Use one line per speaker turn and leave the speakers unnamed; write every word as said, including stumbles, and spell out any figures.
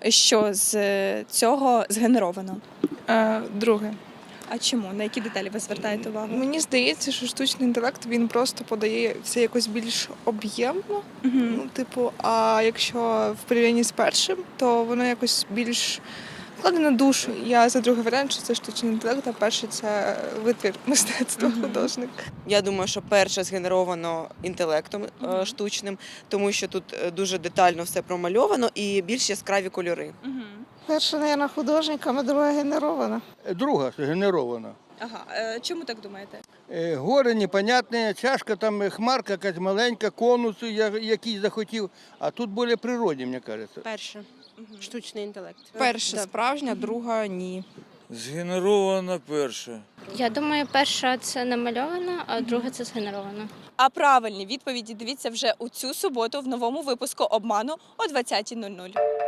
що з е, цього згенеровано?
Е, друге.
А чому? На які деталі ви звертаєте увагу?
Мені здається, що штучний інтелект він просто подає все якось більш об'ємно.
Угу.
Ну, типу, а якщо в порівнянні з першим, то воно якось більш вкладе на душу. Я за другий варіант, що це штучний інтелект, а перший це витвір мистецтва,
Мгм.
художник.
Я думаю, що перше згенеровано інтелектом е,
Мгм.
штучним, тому що тут е, дуже детально все промальовано і більш яскраві кольори.
Угу.
Перша, мабуть, художником, а друга генерована.
Друга генерована.
Ага. Е, чому так думаєте?
Е, Гори непонятне, чашка, там е, хмарка якась маленька, конус я- якийсь захотів, а тут більш природні, мені кажеться.
Перше. Штучний інтелект.
Перша справжня, друга ні.
Згенерована перша.
Я думаю, перша це намальована, а друга це згенерована.
А правильні відповіді дивіться вже у цю суботу в новому випуску «Обману» о двадцятій нуль нуль.